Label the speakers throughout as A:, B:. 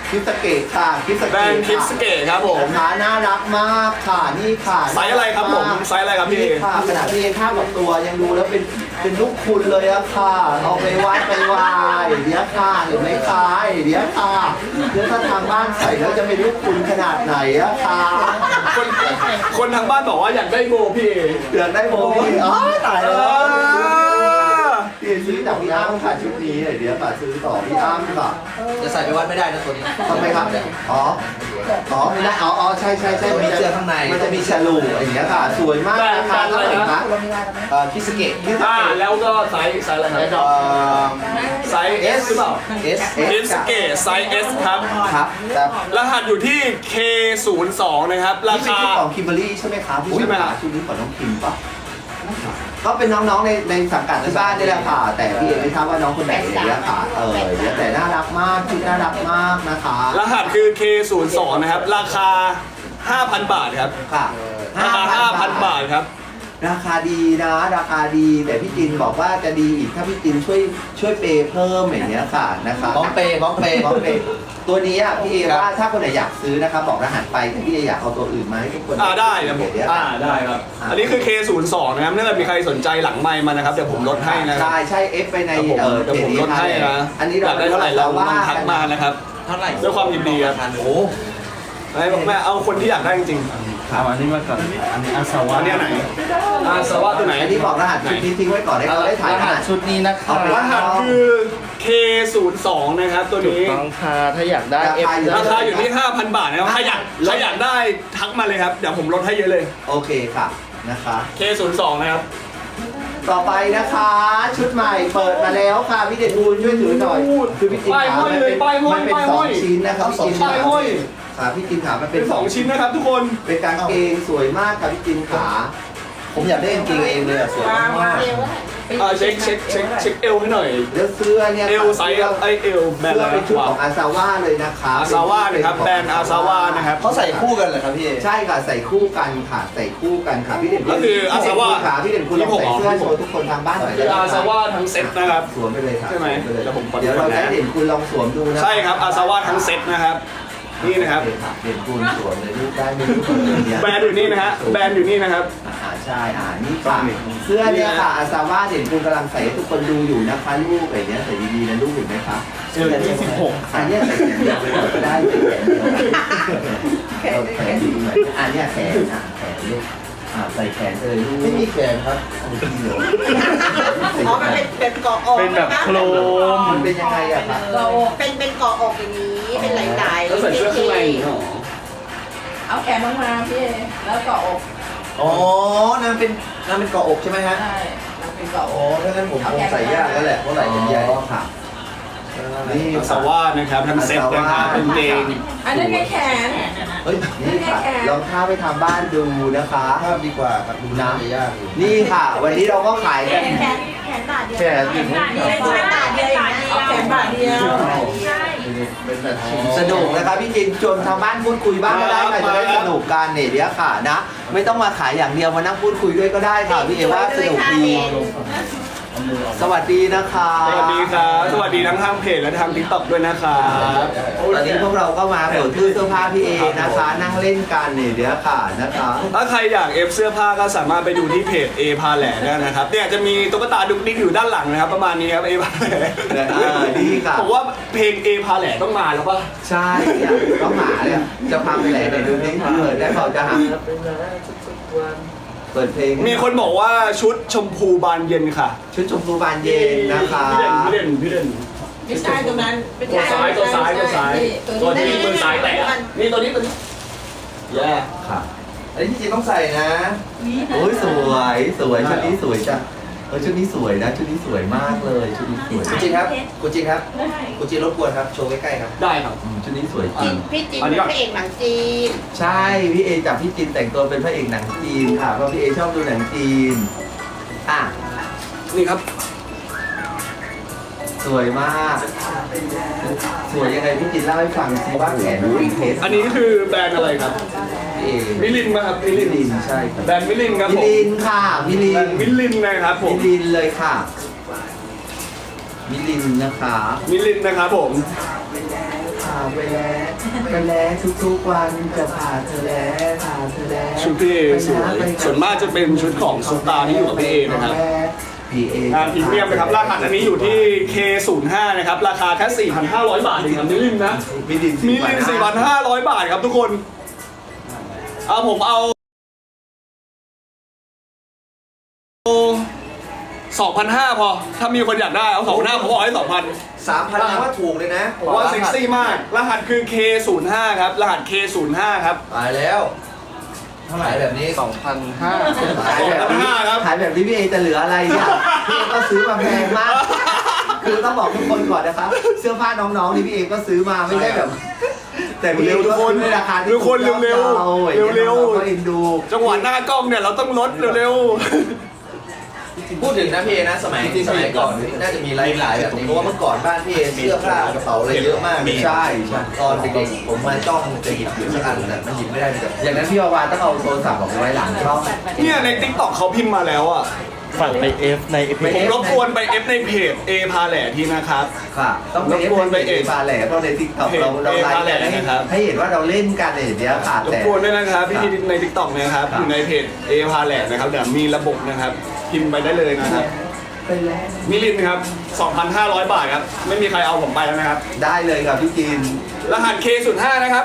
A: คิสเกตค่ะคิสเกต
B: แบรนด์คิสเกตครับผม
A: นะคะน่ารักมากค่ะนี่ค่ะ
B: ไซส์อะไรครับผมไซส์อะไรครับพี่
A: นี่ค่ะขนาดพี่เอข้าวกับตัวยังดูแล้วเป็นลูกคุณเลยอะค่ะเอาไปวัดไปวายเดี๋ยวค่ะเห็นไหมคะเดี๋ยวค่ะเดี๋ยวถ้าทางบ้านใส่แล้วจะเป็นลูกคุณขนาดไหนอะค่ะ
B: คนทางบ้านบอกว่าอยากได้โบพี่
A: เดือดได้โมพี่อ๋อตายแล้วพี่ซื้อจากพี่อ้ำค่ะชุดนี้เดี๋ยวค่ะซื้อต่อพี่อ้ำค่ะ
C: จะใส่ไปวัดไม่ได้นะตัวนี้
A: ทำไมครับอ๋อไม่ได้อ๋อใช่
C: มีเสื้อข้างใน
A: มันจะมีฉลูอย่างเงี้ยค่ะสวยมากนะคะเท่าไหร่คะ
C: คิสเกต
B: แล้วก็ไซส์อะไรครับไซส์ S หรือเปล่า
C: S
B: คิสเกตไซส์ S ครับ
A: ครับแต่
B: รหัสอยู่ที่ K02 นะครับรา
A: นี่เป็น
B: คา
A: ชุดของคิมเบอรี่ใช่ไหมครับ
B: ใช่ไหมครับ
A: ชุดนี้ของน้องคิมปะก็เป็นน้องๆในสังกัดที่บ้านนี่แหละค่ะ แต่พี่เอกไม่ทราบว่าน้องคนไหนเนี่ยค่ะเดี๋ยวแต่น่ารักมากชุดน่ารักมากนะคะ
B: รหัสคือ K02 นะครับราคา 5,000 บาทครับ
A: ค่ะ
B: ราคา 5,000 บาทครับ
A: ราคาดีนะราคาดีแต่พี่จินบอกว่าจะดีอีกถ้าพี่จินช่วยเปย์เพิ่มอย่างเงี้ยค่ะนะคะ
C: บ้องเปย์
A: บ้องเปย์ตัวนี้อ่ะพี่เอว่าถ้าคนไหนอยากซื้อนะครับบอกรหัสไปแต่พี่เออยากเอาตัวอื่นมาให้ทุกคน
B: ได้ครับผม
A: เดี๋ยว
B: ได้ครับ อันนี้คือ K02 นะครับถ้าเกิดมีใครสนใจหลังไมค์มานะครับเดี๋ยวผมลดให้นะครับ
A: ใช่เอฟไปใน
B: เดี๋ยวผมลดให้นะ
A: อันนี้
B: อยากได้เท่าไหร่เราลองทักมานะครับ
C: เท่าไหร่
B: ด้วยความยินดีครับ
C: โอ้
B: แม่เอาคนที่อยากได้จริง
D: เอาอันนี้มาก่อน อันนี้อาส
B: ๆ
D: วะ
B: อันนี้ไหนอาสวะตัวไหน
A: อันนี้บอกรหัสชุดนี้ทิ้งไว้ก่อนให้เขาได้ถ่าย
D: ร
A: ร
D: หั
A: หั
D: ส
A: ส
D: ชุดนี้นะครับ
B: รหัสคือ K02 นะครับตัว
D: ถูก
B: นี้
D: ต้องค่ะถ้าอยากได้
B: ราคาอยู่ที่ 5,000 บาทนะครับใครอยากได้ทักมาเลยครับเดี๋ยวผมลดให้เยอะเลย
A: โอเคค่ะนะคะ
B: K02 นะครับ
A: ต่อไปนะคะ ชุดใหม่เปิดมาแล้วค่ะพี่เด่นภูลช่วยถือหน่อยคือพี่จินขามันเป็นสองชิ้นนะครับพี่จินขาพี่จินขามันเป็
B: เป็น น 2 ชิ้นนะครับทุกคน
A: เป็นกางเกงสวยมากค่ะพี่จินขา
C: ผมอยากได้กางเกงเองเลยอะสวยมาก
B: เช็คเอวให้หน่อย
A: แล้วเสื้อเนี่ย
B: เอวไซส์เอวแบรนด์
A: เสื้อ
B: อะไร
A: เป็นชุด
B: วะ
A: ของอาซาว่าเลยนะคะ
B: อาซาว่านะครับแบรนด์อาซาว่านะครับ
C: เขาใส่คู่กันเหรอครับพี่
A: ใช่ค่ะใส่คู่กันค่ะใส่คู่กันค่ะพี่เด่น
B: ก็คืออาซาว่า
A: ค่ะพี่เด่นคุณลองใส่เสื้อโชว์ทุกคนทางบ้านหน่อย
B: คืออาซาว่าทั้งเซ็ตนะครับ
A: สวมไปเลยค่ะ
B: ใช่ไหม
A: สวปเลย
B: เดี๋ยวผมขอดู
A: เดี๋ยวเรา
B: ก่อนนะ
A: จะให้เด่นคุณลองสวมดูนะ
B: ใช่ครับอาซาว่าทั้งเซ็ตนะครับนี่นะครับ
A: เด่นคุณสวมเลยรูปได้ไม่รู้เนี่ย
B: แบรนด์อยู่นี่นะฮะแบรนด์อยู่นี่นะครับ
A: ใช่นี่ค่ะเสื้อเนี่ยค่ะอาซาว่าเด่นคุณกำลังใส่ให้ทุกคนดูอยู่นะคะลูกอะไรเนี้ยใส่ดีๆนะลูกเห็นไหมคะเสื้อที่16อันเนี้ยใส่แขนเดียวไปก่อนก็ได้ใส่แขนเดียวแขนดีหน่อยอันเนี้ยแขนแขนลูกใส่แขนเลยลูก
C: ไม่มีแขนครับ
A: เอาจริงเหรอ
E: อ๋อมันเป็นเกาะอก
D: เป็นแบบโครม
A: มันเป็นยังไงอะคะ
E: เป็นเกาะอกอย่างนี้ เป็นไหลๆ
B: แล้วใส่เสื้อข้างในเหรอ
F: เอาแขนลงมาพี่แล้วก็อก
C: อ๋อนั่นเป็นเกาะอกใช่ไหมฮะ
F: ใช่มันเป็นก็อ
C: อ๋อก ถ้างั้นผมคงใส่ยากแล้วแหละเพราะไหล่มันใหญ่
A: ค่ะ
B: นี่อาซาว่านะครับทั้งเซ็ตนะครับเป็นเกง
F: อันนั้นไงแขน
C: เฮ้ย
A: นี่ค่ะลองท่าไปทำบ้านดูนะคะ
C: ภาพดีกว่าครับดูน้ำจะยากอยู่
A: นี่ค่ะ วันนี้เราก็ขายกัน
E: แขนบาทเดียว
D: แขนอยู่
E: แขนบาทเดียวอย่างนี้
F: เอาแขนบาทเดียว
C: เป็นแบบชิ้น
A: สนุกนะครับพี่จินชวนทางบ้านพูดคุยบ้างก็ได้ค่ะจะได้สนุกกันเนี่ยเดี๋ยวค่ะนะ ไม่ต้องมาขายอย่างเดียวมานั่งพูดคุยด้วยก็ได้ค่ะพี่เอว่าสนุกดีสวัสดีนะคะ
B: สวัสดีครับสวัสดีทั้งทางเพจและทางทิกตอกด้วยนะครับ
A: ตอนนี้พวกเราก็มาเปิดตู้เสื้อผ้าพี่เอนะคะ นั่งเล่นกันเนี่ยเดี๋ยวค่ะนะคะ
B: ถ้าใครอยากเอฟเสื้อผ้าก็สามารถไปดูที่เพจ A พาแหล่ได้นะครับเนี่ยจะมีตุ๊กตาดุกดิกอยู่ด้านหลังนะครับประมาณนี้ครับ A พาแหล่
A: ดีค่ะ
B: ผมว่าเพลง A พาแหล่ต้องมาแล้วป่ะ
A: ใช่เนี่ยต้องหมาเนี่ยจะพาไปไหนไหนดูนี่เปิดได้เปล่าจะหาเปิดเพลง
B: มีคนบอกว่าชุดชมพูบานเย็นค่ะ
A: ชุดชมพูบานเย็นนะคะ
B: พี่เด่น
F: ไม่ใช่ตรงนั้น
B: ตัวซ้ายตัวที่มือซ้ายแตะนี่ตัวนี้แย่
A: ค่ะอันนี้จริงๆต้องใส่นะโอ้ยสวยชุดนี้สวยจ้ะชุดนี้สวยนะชุดนี้สวยมากเลยชุดนี้สวย
C: คุณจินครับคุณจินครับคุณจินรบกวนครับโชว์ใกล้ๆครับ
B: ได้ครับ
A: ชุดนี้สวยจริง
E: พี่จินเป็นพระเอกหนังจีน
A: ใช่พี่เอจับพี่จินแต่งตัวเป็นพระเอกหนังจีนค่ะเพราะพี่เอชอบดูหนังจีนอ่ะ
B: นี่ครับ
A: สวยมาก สวยยังไงพี่จินเล่าให้ฟังสิว่าแขนดูเพชร
B: อันนี้คือแบรนด์อะไรครับ
A: พี่เอ
B: มิลินมาครับมิ
A: มิ
B: ลิน
A: ลินใช่ครับ
B: แบรนด์มิลินครับ
A: มิ
B: ผม
A: ลินค่ะมิลิ
B: แบร
A: น
B: นด์มิลินนะครับผม
A: มิลินเลยค่ะมิลินนะคะ
B: มิลินนะครับผม
A: คไปแล้วทุกๆวันจะพาเธอแล้วพาเธอแล้ว
B: ชุดพี่เอสวยส่วนมากจะเป็นชุดของซุปตาร์ที่อยู่กับพี่เอนะครับ
A: พี่เอง
B: พรีเมียมนะครับรหัสอันนี้อยู่ที่ K05 นะครับราคาแค่ 4,500 บาทเองครับมิลินนะ
A: มิลิน
B: มิลิน 4,500 บาทครับทุกคนผมเอา 2,500 พอถ้ามีคนอยากได้เอา 2,500ผมบอกให้ 2,000
C: 3,000ยังว่าถูกเลยนะ
B: ผมว่าเซ็กซี่มากรหัสคือ K05 ครับรหัส K05 ครับ
C: ตายแล้วเท่าไหร่แบบนี้
D: 2,500
A: ขายแบบนี้
B: 2,500ครับ
A: ขายแบบนี้พี่เอจะเหลืออะไรเนี่ยพี่เอก็ซื้อมาแพงมาก คือต้องบอกทุกคนก่อนนะครับเสื้อผ้าน้องๆนี่พี่เอก็ซื้อมาไม่ใช่แบบ แต่พี่เอก็ซื้อในราคาที่
B: ทุกคนเร็วๆเร็วๆ
A: ก็เอ็นดู
B: จังหวะหน้ากล้องเนี่ยเราต้องลดเร็ว
C: พูดถึงนะพี่เอนะสมัยก่อนน่าจะมีไลฟ์ขายแบบนี้เพราะว่าเมื่อก่อนบ้านพี่เอเสื้อผ้ากระเป๋าอะไรเยอะมาก
A: ใช่
C: ตอนเด็กๆผมมาจ้องจะหยิบอยู่สักอันแต่มันหยิบไม่ได้เลย
A: อย่างนั้นพี่วาวาต้องเอาโทรศัพท์ออกไว้หลังช่อง
B: ๆเนี่ยใน TikTok เขาพิมพ์มาแล้วอ่ะ
D: ฝากไป F ใน
B: ผมรบกวนไป F ในเพจ A พาแหล่ทีนะครับ
A: ค่ะต้องไป
B: รบกวนไปเอ
A: ปาแหล่เพราะในทิกตอกเราไลฟ์กันให้เห็นว่าเราเล่นกันอย่างเงี้ยค่ะ
B: รบ
A: แต่
B: กวนด้วยนะครับพี่ที่ใน TikTok นะครับอยู่ในเพจ A พาแหล่นะครับเดี๋ยวมีระบบนะครับพิมพ์ไปได้เลยนะครับ
A: ไปแล้ว
B: มิลินครับ 2,500 บาทครับไม่มีใครเอาผมไปแล้วนะครับ
A: ได้เลยครับพี่จิน
B: รหัส K05 นะครับ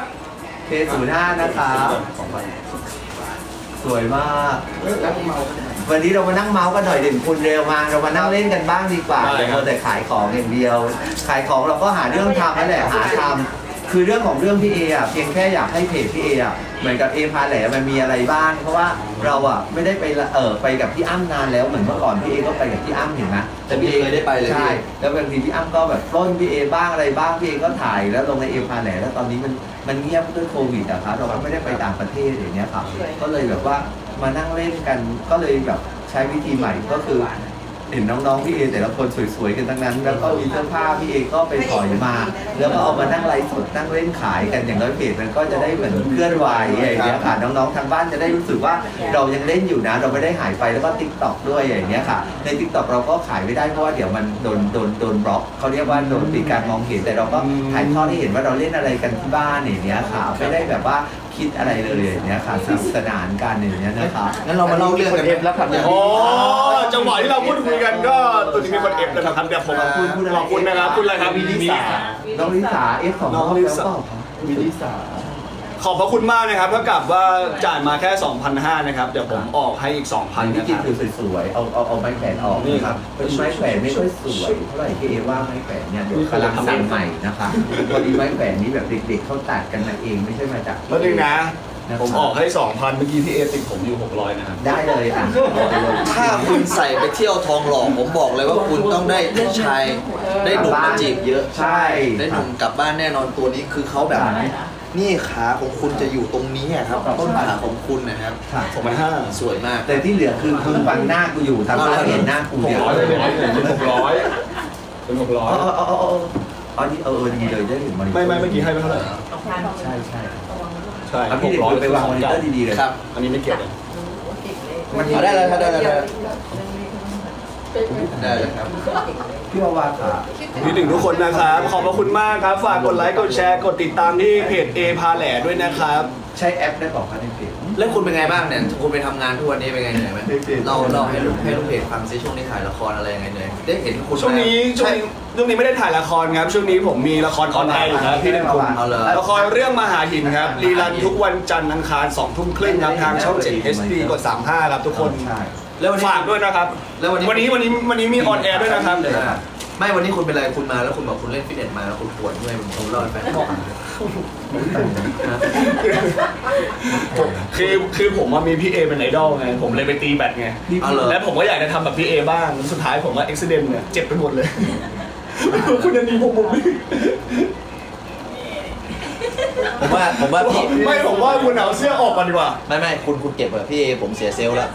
A: K05 นะครับสวยมากวันนี้เรามานั่งเมาส์กันหน่อยเด่นคุณเร็วมาเรามานั่งเล่นกันบ้างดีกว่า
B: ได้
A: อย่า
B: ครับ
A: มัวแต่ขายของอย่างเดียว ขายของเราก็หาเรื่องทำนั่นแหละหาทำคือเรื่องของเรื่องพี่เออ่ะเพียงแค่อยากให้เพจพี่เออ่ะเหมือนกับเอพาแหล่มันมีอะไรบ้างเพราะว่าเราอ่ะไม่ได้ไปกับพี่อ้ำนานแล้วเหมือนเมื่อก่อนพี่เอก็ไปกับพี่อ้ำเห็นไหม
C: แต่พี่เคยได้ไปเลย
A: ใช่แล้วบางทีพี่อ้ำก็แบบปล้นพี่เอบ้างอะไรบ้างพี่เอก็ถ่ายแล้วลงในเอพาแหล่แล้วตอนนี้มันเงียบด้วยโควิดอะครับเราก็ไม่ได้ไปต่างประเทศอย่างเงี้ยครับก็เลยแบบว่ามานั่งเล่นกันก็เลยแบบใช้วิธีใหม่ก็คือเห็นน้องๆพี่เอแต่ละคนสวยๆกันทั้งนั้น แล้วก็มีเสื้อผ้าพี่เอก็ไปถอยมา แล้วก็เอามานั่งไลฟ์สดนั่งเล่นขายกันอย่างน้อยเพจมันก็จะได้เหมือนเคลื่อนไหวอย่างเงี้ยค่ะน้องๆทางบ้านจะได้รู้สึกว่าเรายังเล่นอยู่นะเราไม่ได้หายไปแล้วก็ TikTok ด้วยอย่างเงี้ยค่ะใน TikTok เราก็ขายไม่ได้เพราะว่าเดี๋ยวมันโดนบล็อกเขาเรียกว่าโดนปิดการมองเห็นแต่เราก็ถ่ายทอดให้เห็นว่าเราเล่นอะไรกันที่บ้านอย่างเงี้ยค่ะไม่ได้แบบว่าคิดอะไรเลยอย่างเงี้ยค่ะสนุกสนานกันอย่างเงี้ยนะคะ
C: งั้นเรามาเล่าเรื่องกัน
D: F แล้วครับ
B: อ๋อจังหวะที่เราพูดคุยกันก็ตัวนี้มีคน F แล้วนะครับเดี๋ยวผมขอบคุณนะครับคุณอะไรครับ
A: น้องลิสา F ของ
B: น้องลิสา
A: มิลิสา
B: ขอบพระคุณมากนะครับเท่ากับว่าจ่ายมาแค่ 2,500 นะครับ เดี๋ยวผมออกให้อีก 2,000
A: พี่
B: นะค
A: กิน
B: รับ
A: คือสวยๆเอาไม้แขวนออก
B: นี่
A: นะ
B: ค
A: ค
B: รั
A: รับ บเป็นไม้แขวนไม่ค่อยสวยเท่าไหร่พี่เอว่าไม้แขวนเนี่ยเดี๋ยวกำลังสั่งใหม่นะคะพอดีไม้แขวนนี้แบบเด็กๆเขาตัดกันมาเองไม่ใช่มาจาก
B: แล้วนึงนะ ผมออกให้ 2,000 เมื่อกี้พี่เอติดผมอยู่ 600 นะครับ
A: ได้เลยอ่ะเอาไปเลย
C: ถ้าคุณใส่ไปเที่ยวทองหล่อผมบอกเลยว่าคุณต้องได้ชายได้หนุ่มมาจีบเยอะ
A: ใช่
C: ได้หนุ่มกลับบ้านแน่นอนตัวนี้คือเขาแบบ นี่ขาของคุณจะอยู่ตรงนี้อะครับต้นขาของคุณนะครับ
A: ค่ะ
B: 2,500
C: สวยมาก
A: แต่ที่เหลือคือมึงฟังหน้ากูอยู่ทางบ้านเห็นหน้ากูเดียว
B: 600เลยเป็น600เป็น
A: อันนี้ดีเลยได้เห็นมอนิเตอ
B: 600
A: ร์
B: ไม่เมื่อกี้ให้ไปเท่าไหร่
A: ใช่ใช่
B: ใช่
A: เอาพี่เด็กไปวางมอนิเตอร์ดีๆเลย
C: ครับ
B: อันนี้ไม่เกี่ยวเลย
A: มัน
C: เอาได้เลยครับได้เลยครับ
A: พี่วาวาค่ะ
B: พี่ถึงทุกคนนะครับขอบพระคุณมากครับฝากกดไลค์กดแชร์กดติดตามที่เพจ A พาแหล่ด้วยนะครับ
A: ใช้แอปได้บอกกันในเพจ
C: แล้วคุณเป็นไงบ้างเนี่ยคุณไปทำงานทุกวันนี้เป็นไงเหนื่อยไหมเราให้ลูกเพจฟังซิช่วงนี้ถ่ายละครอะไรยังไงเหนื่อยได้เห็นคุณ
B: ช่วงนี้ไม่ได้ถ่ายละครครับช่วงนี้ผมมีละครออนไลน์อยู่ครับพี่เด่นคุณ
C: เอาเลย
B: ละครเรื่องมหาหินครับรีรันทุกวันจันทร์อังคาร 20:30 ครับทางช่อง 7 HD กด 35 ครับทุกคน
A: ใช่
C: แล้ววันนี้
B: ฝากด้วยนะครับ
C: แล้ววันนี้
B: วันนี้มีออนแอร์ด้วยนะครับ
C: ไม่วันนี้คุณเป็นอะไรคุณมาแล้วคุณบอกคุณเล่นฟิตเนสมาแล้วคุณปวดเมื่อยผมเล่าให้ฟัง
B: คือผมว่ามีพี่เอเป็นไอดอลไงผมเลยไปตีแบดไง
C: เอาเลย
B: และผมก็อยากจะทำแบบพี่เอบ้างสุดท้ายผมว่าอุบิเหตุเนี่ยเจ็บไปหมดเลยคุณยันดีผมไม่
C: ผมว่าพี่
B: ไม่ผมว่าคุณเอาเสื้อออกก่อนดีกว่า
C: ไม่คุณเก็บอะพี่เอผมเสียเซลล์แล้ว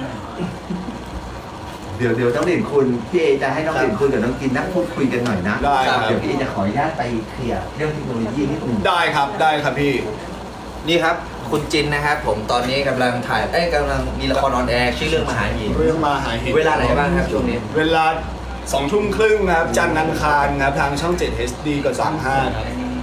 A: เดี๋ยวต้องเด่นคุณพี่เอจะให้น้องเด่นคุณกับน้องกินนั่งพูดคุยกันหน่อยนะ
B: ได้ครับ
A: เดี๋ยวพี่เอจะขออนุญาตไปเคลียร์เรื่องเทคโนโลยีนิดนึง
B: ได้ครับพี่
C: นี่ครับคุณจินนะครับผมตอนนี้กำลังกำลังมีละครออนแอร์ชื่อเรื่องมหาหิน
B: เรื่องมาหาหิน
C: เวลาไหนบ้างครับช่วงนี้
B: เวลา 20:30 ครับจันทร์อังคารครับทางช่อง 7 HD กด 35 ครับ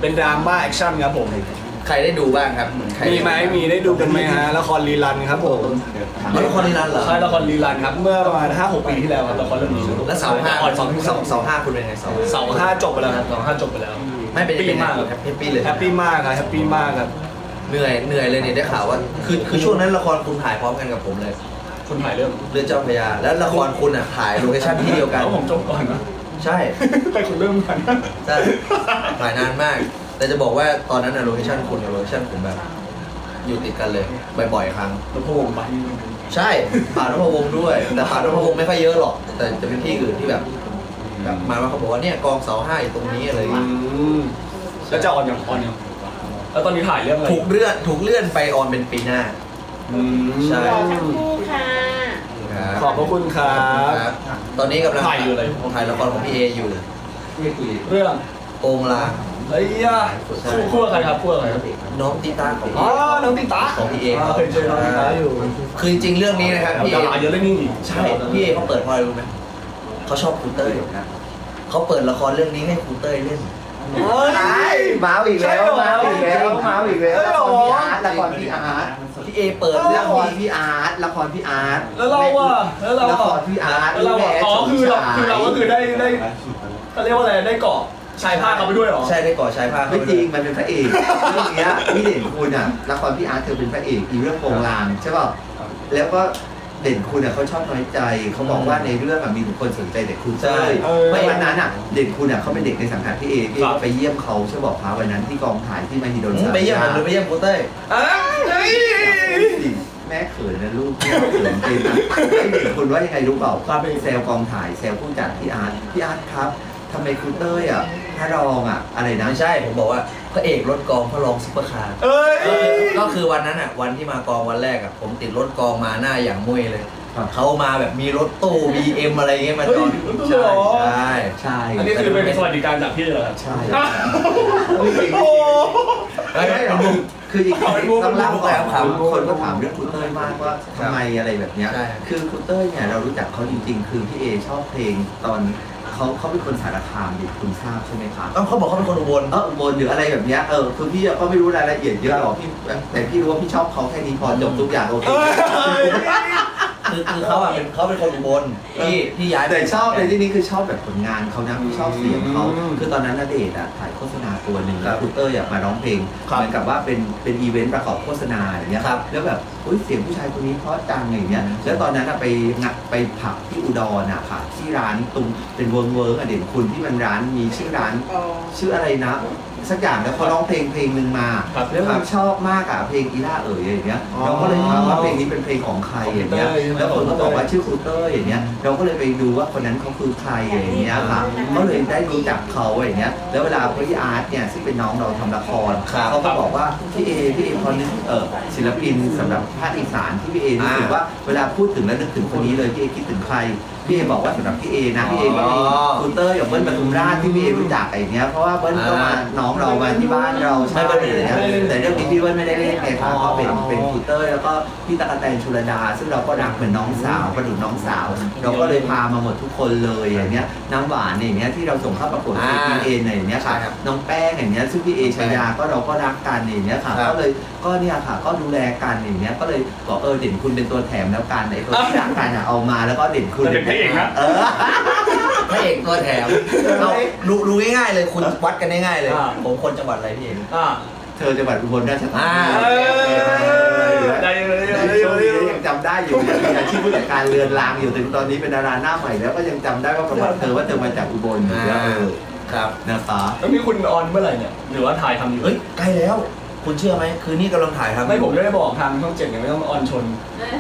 B: เป็นดราม่าแอคชั่นครับผม
C: ใครได้ดูบ้างครับใคร
B: มีไหมมีได้ดูกันไหมฮะละครรีรันครับผม
C: ละครรีรันเหรอ
B: ใช่ละครรีรันครับเมื่อประมาณ 5-6 ปีที่แล้วครับละครเรื่องนี้
C: แล้วเสาห้า
B: ออน
C: เสาห้าคุณเป็นไงเสา
B: เสาห้าจบไปแล้วครับเสาห้าจบไปแล้ว
C: ไม่เป็น
B: แฮปปี้มาก
C: แฮปปี้เลย
B: แฮปปี้มากครับแฮปปี้มากครับ
C: เหนื่อยเลยเนี่ยได้ข่าวว่าคือช่วงนั้นละครคุณถ่ายพร้อมกันกับผมเลย
B: คุณถ่ายเรื่อง
C: เรื่องเจ้าพระยาแล้วละครคุณอ่ะถ่ายโลเคชั่นที่เดียวกัน
B: แล้วผมจบก่อนนะ
C: ใช่
B: ให้คุณเริ่มกัน
C: ใช่ถ่ายนานมาก แต่จะบอกว่าตอนนั้นอะโลเคชั่นคุณกับโลเคชั่นผมแบบ อยู่ติดกันเลยบ่อยๆครั้ง
B: แล้วพวกผมไป
C: ใช่ผ่านนพวงศ์ด้วย แต่ผ่านนพวงศ์ไม่ค่อยเยอะหรอก แต่จะเป็นที่อื่นที่แบบมาว่าเขาบอกว่าเนี่ยกองเสาห้าอยู่ตรงนี้อะไรอย่างเงี้ย
B: แล้วจะออนยังแล้วตอนนี้ถ่ายเรื่องอะไร
C: ถูกเลื่อนไปออนเป็นปีหน้า ใช่
E: รอสักครู่ค่ะ
B: ขอบพระคุณครับ
C: ครับตอนนี้กำลัง
B: ถ่ายอยู่อะไร
C: ถ่ายละครของพี่เออยู่
B: เรื่อง
C: โองลาง
B: เฮ้ยอ่ะคู่กับใครครับคู่กับใครครับ
C: น้องตีตาของ
B: อ๋อ
C: พี่
B: น้องติ๊กตา
C: ของพี่เอ
B: เคยเจอน้องติ๊กตาอยู่
C: คือจริงๆเรื่องนี้นะครับพี่เอ
B: ดาราเยอะเรื่องนี้อีก
C: ใช่พี่เอเขาเปิดเพราะอะไรรู้ไหมเขาชอบครูเต้ยเขาเปิดละครเรื่องนี้ให้ครูเต้ยเล่น
B: เฮ้ย
A: มาอีกแล้วมาอีกแล้วมาอีกแล้วละครพี่อาร์ตละครพี่อาร์ต
C: พี่เอเปิด
A: ละ
C: เรื่อง
A: คร
C: นี้
A: พี่อาร์ตละครพี่อาร์ต
B: แล้วเราอ่ะแล้วเรา
A: ละค
B: อ่ะ
A: รพี่อาร์ต
B: แล้วเราอ่ะอ๋อคือเราก็คือได้เขาเรียกว่าอะไรได้เกาะชายผ้าเขาไปด้วยเหรอ
C: ใช่ได้ก่อชายผ้า
A: ไม่จริงมันเป็นพระเอกเรื่องเนี้ยพี่เด่นคุณอ่ะละครพี่อาร์ตเธอเป็นพระเอกอีเรื่องโปงลางใช่ป่ะแล้วก็เด่นคุณอ่ะเขาชอบน้อยใจเขาบอกว่าในเรื่องอ่ะมีบุคคลสนใจแต่คุณเต้ยเพราะวันนั้นอ่ะเด่นคุณอ่ะเขาเป็นเด็กในสังกัดพี่เอพี่ก็ไปเยี่ยมเขาใช่บอกพาวันนั้นที่กองถ่ายที่มหิดล
C: ไปเยี่ยมผมหรือไปเยี่ยมครูเต้ย
B: เฮ้ย
A: แม่เขินนะลูกแม่เขินจริงนะไอเด็กคุณว่ายังไงรู้เปล่าก็ไปแซวกองถ่ายแซวผู้จัดพี่อาร์ตครับทำไมคุณเต้ยอ่ะพระรองอ่ะอะไรนะ
C: ไม่ใช่ผมบอกว่าพระเอกรถกองพระรองซุปเปอร์คาร์
B: เอ้ย
C: ก็คือวันนั้นอ่ะวันที่มากองวันแรกอ่ะผมติดรถกองมาหน้าอย่างมุ้ยเลย
A: ครับ
C: เขามาแบบมีรถตู้ BM อะไรเงี้ยมาจอด
B: เฮ้ย
C: ใช่
A: ใช่
B: อันนี้คือเป็นสวัสดิการจากพี่เหรอครับ
A: ใช่
B: โอ้
C: แล้ว
A: ไม่หรอกคือจริงๆต้องเล่าก่อน
C: ถาม
A: คนก็ถามเรื่องคุณเต้ยมากว่าทำไมอะไรแบบเนี้ย
C: ใช่
A: คือคุณเต้ยเนี่ยเรารู้จักเขาจริงๆ คือพี่เอชอบเพลงตอนเขาเป็นคนสารคามดิคุณทราบใช่ไหมครับ
C: เขาบอกเขาเป็นคนอุบล
A: อุบลหรืออะไรแบบเนี้ยคือพี่ก็ไม่รู้รายละเอียดเยอะหรอกพี่แต่พี่รู้ว่าพี่ชอบเขาแค่นี้พอจบทุกอย่างโอเค
C: คือเขาอ่ะเป็นคนอุบลที่ย้าย
A: แต่ชอบในที่นี้คือชอบแบบผลงานเขานะชอบเสียงเขา
B: อืม
A: คือตอนนั้นณเดชน์ถ่ายโฆษณาตัวหนึ่ง
C: ค
A: แล้
C: รั
A: ว
C: บ
A: คุณเต้ยมาร้องเพลง
B: ครับ
A: เหมือนกับว่าเป็นอีเวนต์ประกอบโฆษณาอย่างเงี้ย
C: ครับ
A: แล้วแบบอุ้ยเสียงผู้ชายคนนี้เพราะจังอย่างเงี้ยแล้วตอนนั้นไปผับที่อุดรค่ะที่ร้านตรงเป็นเวิร์กเด่นคุณที่มันร้านมีชื่อร้าน ชื่ออะไรนะสักอย่างแล้วเขาร้องเพลงหนึ่งมา
B: ครับ
A: แล้วผมชอบมากอะเพลงอีล่าอย่างเงี้ยเราก็เลยถามว่าเพลงนี้เป็นเพลงของใครอย่างเงี้ยแล้วคนก็บอกว่าชื่อครูเต้ยอย่างเงี้ยเราก็เลยไปดูว่าคนนั้นเขาคือใครอย่างเงี้ยค่ะก็เลยได้รู้จักเขาอย่างเงี้ยแล้วเวลาพี่อาร์ตเนี่ยซึ่งเป็นน้องเราทำละครเขาก็บอกว่าพี่เอพอนึกศิลปินสำหรับภาคอีสานที่พี่เอรู้สึกว่าเวลาพูดถึงแล้วนึกถึงคนนี้เลยพี่เอคิดถึงใครพี่เอบอกว่าสำหรับพี่เอนะพี่เอก็มีครูเต้ยกับเบิ้ลปทุมราชที่พี่เอรู้จักอย่างเงี้ยเพราะว่าเบิ้ลก็มาน้องเรามาที่บ้านเราใช่ไหมแต่เรื่องนี้พี่เบิ้ลไม่ได้เล่นไงครับก็เป็นครูเต้ยแล้วก็พี่ตั๊กแตนชุลดาซึ่งเราก็รักเหมือนน้องสาวประดุจน้องสาว เราก็เลยพามาหมดทุกคนเลยอย่างเงี้ยน้ำหวานอย่างเงี้ยที่เราส่งเข้าประกวดพี่เออย่างเงี้ยค่ะน้องแป้งอย่างเงี้ยซึ่งพี่เอชายาก็เราก็รักกันอย่างเงี้ยค่ะก็เลยก็เนี่ยค่ะก็ดูแลกันอย่างเงี้ยก็เลยบอกเด่นคุณเป็นตัวแถมแล้วกันไอ้ตัวที่รักกันเอามาแล้วก็เด่นคุณ
B: เป็นพระเอกนะ
C: พระเอกตัวแถมเอาดูง่ายๆเลยคุณวัดกันง่ายๆเลยผมคนจังหวัดอะไรพี่เอง
A: เธอจังหวัดอุบลราชธานี
B: ได้เลย
A: ช่วงนี้ยังจำได้อยู่มีอาชีพผู้จัดการเรือนรางอยู่ถึงตอนนี้เป็นดาราหน้าใหม่แล้วก็ยังจำได้ว่าประวัติเธอว่าเธอมาจากอุบลอยู่แล้ว
C: ครับ
A: นะคะ
B: แล้วนี่คุณออนเมื่อไหร่เนี่ยหรือว่าถ่ายทำอยู่
C: เฮ้ยใกล้แล้ว คุณเชื่อไหมคืนนี้กำลังถ่ายทำ
B: ไม่ผมไม่ได้บอกทางช่อง 7เนี่ยไม่ต้องออนชน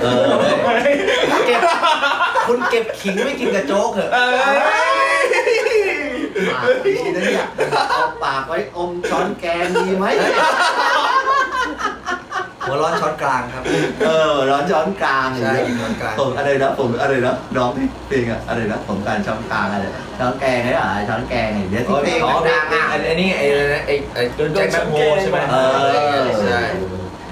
C: คุณเก็บขิงไม่กินกับโจ๊กเหรอ
A: ปากดีนะเนี่ยเอาปากไว้อมช้อนแกงดีไหม
C: หัวร้อนช้อนกลางครับ
A: ร้อนช้อนกลาง
C: ใช่กินช้อนกลาง
A: ผมอะไรนะน้องเพลงอะไรนะผมการช้อนกลางอะไรช้อนแกงได้หรอช้อนแกงอย่างเงี้ยที่เพลง
C: อ๋อ
A: ดังอ่ะ
C: อันนี้ไอ้แจ็คแมคโฮใช่ไหมใช่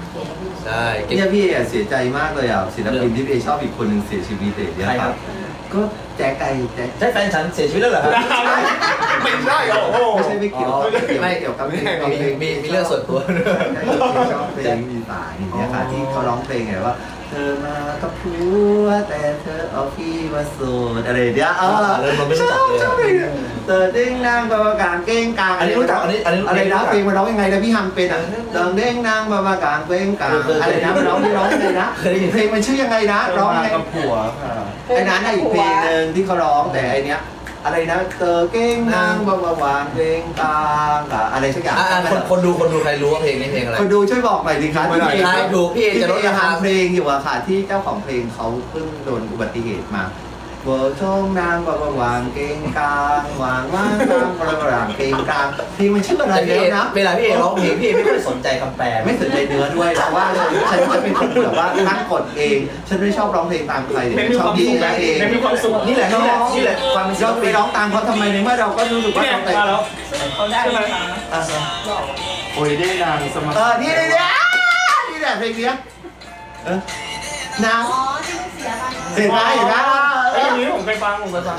C: ใช่
A: เนี่ยพี่เสียใจมากเลยอ่ะศิลปินที่พี่ชอบอีกคนหนึ่งเสียชีวิตเลยเนี่ยครับก็แจ๊กไก่แจ๊ก
C: ใช่แฟนฉันเสียชีวิตแล้วเหรอครับ
B: ไม่ใช่โอ้โห
A: ไม่ใช่ไม่เกี่ยว
C: อ๋อ
A: ไม่เกี่ยวกับเพลง
C: มีเรื่องส่วนตัวด้วย
A: ชอบเพลงมีสายอย่างเงี้ยค่ะที่เขาร้องเพลงไงว่า เธอมากับผัวแต่เธอเอาพี่มาโสดอะไรเนี้ย
C: เลยมันไม่รู้จักเลย
A: ชอบเพลงเธอเด้งนางบาบากางเก้งกาง
C: อันนี้รู้จักอันนี้
A: อะไรนะเพลงมันร้องยังไงนะพี่ฮัมเป็นอ่ะเดิงเด้งนางบาบากางเก้งกางอะไรนะมันร้องยังไงนะเพลงมันชื่อยังไงนะร้องยังไง
D: กับผัวค่ะ
A: ไอ้นั้นอีกเพลงหนึ่งที่เขาร้องแต่ไอเนี้ยอะไรนะเธอเก้งนางบาบาวางเก้งกางอะไรสักอย่าง
C: คนดูใครรู้ว่าเพลงนี้เพลงอะไร
A: คนดูช่วยบอกหน่อยดิครับ
C: ไม่ได้ใช่ดูพี่เอจะลดราคา
A: เพลงอยู่อะค่ะที่เจ้าของเพลงเขาเพิ่งโดนอุบัติเหตุมาเบอร์ช่องนางบาบาวางเก้งกางวางว่างนางบาบาวางเก้งกางเพลงมันชื่ออะไร
C: แต่พี่
A: แล้ว
C: เอ
A: นะ
C: เวลาพี่เอร้องเพลงพี่เอไม่ค่อยสนใจคำแปล
A: ไม่สนใจเนื้อด้วยเพราะว่าฉันจะเป็นคนแบบว่าตั้งกฎเอง ฉันไม่ชอบร้องเพลงตามใครเลย
B: เป็นมี
A: ช
B: ค
A: อบ
B: วาม
A: ดี
B: สุขนะ
A: เอง
B: เป็นมีความสุข
C: นี่แหละความเป็นศิล
A: เราไป
C: ปิน
A: ร้องตามเขาทำไมในเมื่อเราก็รู้สึกว่า
B: เนี่ย
A: เราแต่
B: มาแล้ว
F: เขาได้ไหมคะ
D: โอ้ยได้นางสมัคร
A: นี่นี่แหละเพลงเนี้ยนาง
E: อ๋อที่มันเสียไป
A: เห็นไหม
B: ไอ้ยนี้ผมเคยฟัง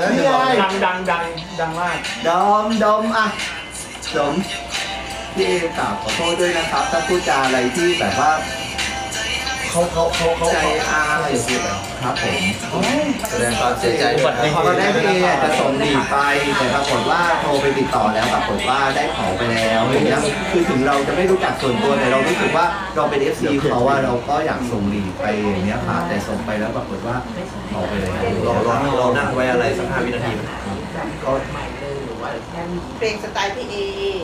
B: ดังมาก
A: ดมอ่ะดมพี่เอกราบขอโทษด้วยนะครับ ถ้าพูดจาอะไรที่แบบว่า
C: เขา
A: ใจอาอะไรอย่างเงี้ยครับผม
C: แสดงความเสียใจด้วย
A: พอได้พี่เอจะส่งดีไป แต่ปรากฏว่าโทรไปติดต่อแล้วปรากฏว่าได้ของไปแล้วอย่างเงี้ยคือถึงเราจะไม่รู้จักส่วนตัวแต่เรารู้สึกว่าเราเป็น FC เขาว่าเราก็อยากส่งดีไปอย่างเงี้ยค่ะแต่ส่งไปแล้วปรากฏว่าเอาไปแล้ว
C: เรานั่งไว้อะไรสัก5 วินาที
A: ก็
E: เพลงสไตล์พี่เอ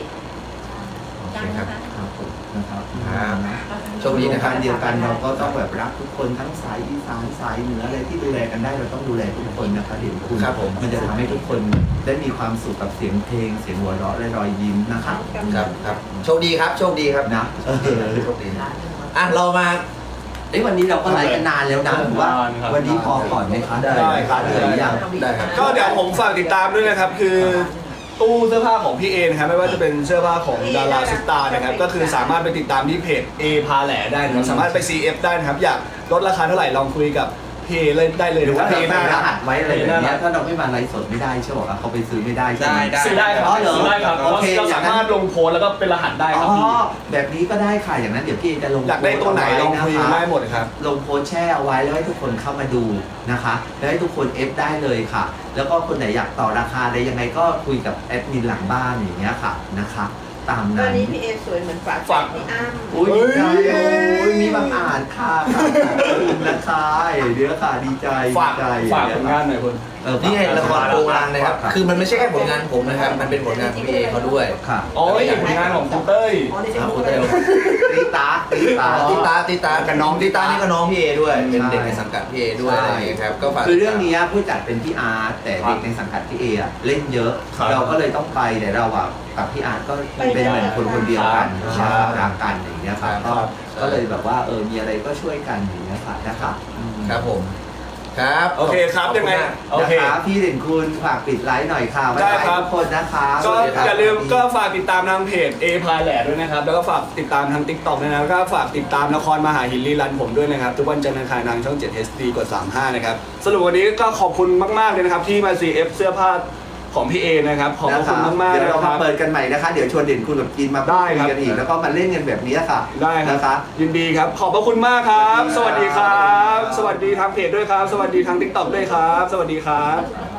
A: ครับผมนะครับ
C: โชคดีนะครับ
A: เดียวกันเราก็ต้องแบบรักทุกคนทั้งสายอีสานสายเหนืออะไรที่ดูแลกันได้เราต้องดูแลทุกคนนะคะเดี๋ยวคุณ
C: ครับผม
A: มันจะทำให้ทุกคนได้มีความสุขกับเสียงเพลงเสียงหัวเราะและรอยยิ้มนะครับ
C: ครับโชคดีครับโชคดีครับ
A: นะ
C: โชคดีอ่ะเรามา
A: วันนี้เราก็ไลฟ์กันนานแล้วนะถือว่าวันนี้พอก่อนไหมคะ
B: ได้ครับ
A: เหลือยัง
C: ได้ครับ
B: ก็เดี๋ยวผมฝากติดตามด้วยนะครับคือตู้เสื้อผ้าของพี่เอนะครับไม่ว่าจะเป็นเสื้อผ้าของดาราซุปตาร์นะครับก็คือสามารถไปติดตามที่เพจ A พาแหล่ได้นะครับสามารถไป CF ได้นะครับอยากลดราคาเท่าไหร่ลองคุยกับพี่เอเลยได้เลย
A: หรือว่า
B: เพ
A: เรา
B: หน้า
A: ใส่รหัสไว้อะไรแบบเนี้ย
B: ได้
A: ถ้าเราไม่มาไลฟ์สดไม่ได้ใช่ไหมครับเขาไปซื้อไม่ได้ใช่ไหม
B: ซื้อได้ครับ
A: อ๋อเหรอ
B: ซื้อได้ครับ
A: โอเค
B: เราสามารถลงโพสต์แล้วก็เป็นรหัสได้ครับ
A: อ๋อ
B: พี่
A: แบบนี้ก็ได้ค่ะอย่างนั้นเดี๋ยวพี่จะลง
B: อยากได้ตัวไหนลองคุยได้หมดครับ
A: ลงโพสต์แช่เอาไว้แล้วให้ทุกคนเข้ามาดูนะคะแล้วให้ทุกคนเอฟได้เลยค่ะ แล้วก็คนไหนอยากต่อราคาได้ยังไงก็คุยกับแอดมินหลังบ้านอย่างเงี้ยค่ะนะคะตาม
E: ตอ
A: นั้น น
E: นี้พี่เอสวยเหมือนฝาก
B: ฝาก
E: พี่อ้ำ
A: อุ้ยดีใจโอ้ยมีบางอ่านค่ะขอบคุณนะคะเดี๋ยวค่ะดีใจ
B: ฝาก
A: ดีใจ
B: ฝากผลงานหน่อยคุณ
C: นี่ไงละครโปรงลางนะครับ คือมันไม่ใช่แค่ผลงานผมนะครับ มันเป็นผลงานของพี่เอเขาด้วย
A: ค่ะ
B: อ๋อนี่ผลงานของคุณเต้ย
C: คุณเต้ย
A: ตีตาตีตา
C: ติตากับน้องติตานี่ก็น้องพี่เอด้วย เป็นเด็กในสังกัดพี่เอด้วยอะไรอย่างเงี้ยครับ ก็ฝาก
A: คือเรื่องนี้ผู้จัดเป็นพี่อาร์ตแต่เด็กในสังกัดพี่เออะเล่นเยอะ
B: ครับ
A: เราก็เลยต้องไปแต่เราอะกับพี่อาร์ตก็เป็นเหมือนคนคนเดียวกัน
B: ครับ
A: รักกันอย่างเงี้ยครับ
B: ครับ
A: ก็เลยแบบว่ามีอะไรก็ช่วยกันอย่างเงี้ยค่ะนะครับ
C: ครับผม ครับ
B: โอเคครับยังไงโอเค
A: นะคะพี่เด่นคุณฝากปิดไลฟ์หน่อยค่ะบ๊าย
B: ได้
A: บาย
B: ครับ
A: ทุกคนนะคะ
B: ก็
A: สวัสดีครับ
B: อย่าลืมก็ฝากติดตามทางเพจ A พาแหล่ด้วยนะครับ แล้วก็ฝากติดตามทาง TikTok ด้วยนะแล้วก็ฝากติดตามละครมหาหินรีรันผมด้วยนะครับ ทุกวันจันทร์อังคารทางช่อง 7 HD กด 35 นะครับ สรุปวันนี้ก็ขอบคุณมากๆเลยนะครับ ที่มา CF เสื้อผ้าของพี่เอนะครับ ขอบคุณมากๆ
A: เดี๋ยว
B: นะ
A: เรา
B: ค
A: มา
B: รับ
A: เปิดกันใหม่นะคะ เดี๋ยวชวนเด่นคุณกับกินมาพูด
B: ได้
A: คุ
B: ครั
A: ย
B: บ
A: กันอีกแล้วก็มาเล่นกันแบบนี้ค่ะ
B: ได้ครับ
A: นะคะ
B: ยินดีครับ ขอบพระคุณมากครับ สวัสดีครับ สวัสดีทางเพจด้วยครับ สวัสดีทาง TikTok ด้วยครับ สวัสดีครับ